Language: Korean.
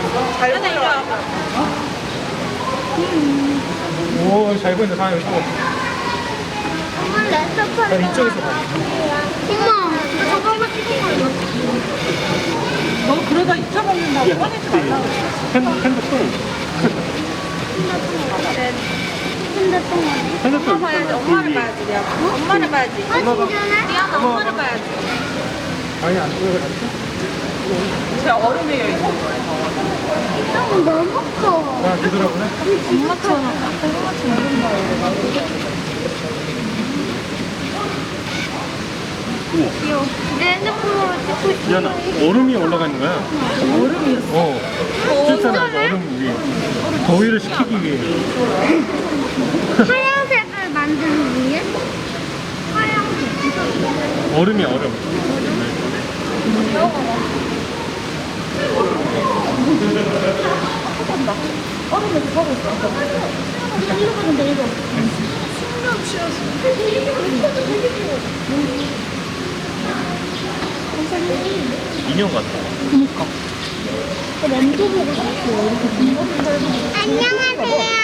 잘 보여. 오, 잘 보인다. 사람 여기 또. 엄마 랜서파리. 난 이쪽에서 봐. 엄마 저거만 찍은 거 이거. 너 그러다 잊혀먹는다고 꺼내지 말라고. 핸드폰. 핸드폰 어디? 핸드폰. 엄마 봐야지. 엄마를 봐야지. 내가. 엄마를 봐야지. 아 진짜네? 미안해. 엄마를 봐야지. 아니, 안 보여. 제 얼음에 있는 거예요. 너무 커. 아, 되더라고요. 엄마처럼 엄마처럼 얼음 봐요. 귀여워. 내 핸드폰으로 찍고 있어. 미안아, 얼음이 올라가 있는 거야. 얼음이었어. 어. 실제로 얼음 위에. 더위를 식히기 위해. 하얀색을 만드는 위해? 하얀색. 얼음이야, 얼음. 얼음에서 서고 있어. 이거 근데 이거. 신경 치여서. 인형 같아. 그 램도 보고 싶어. 안녕하세요.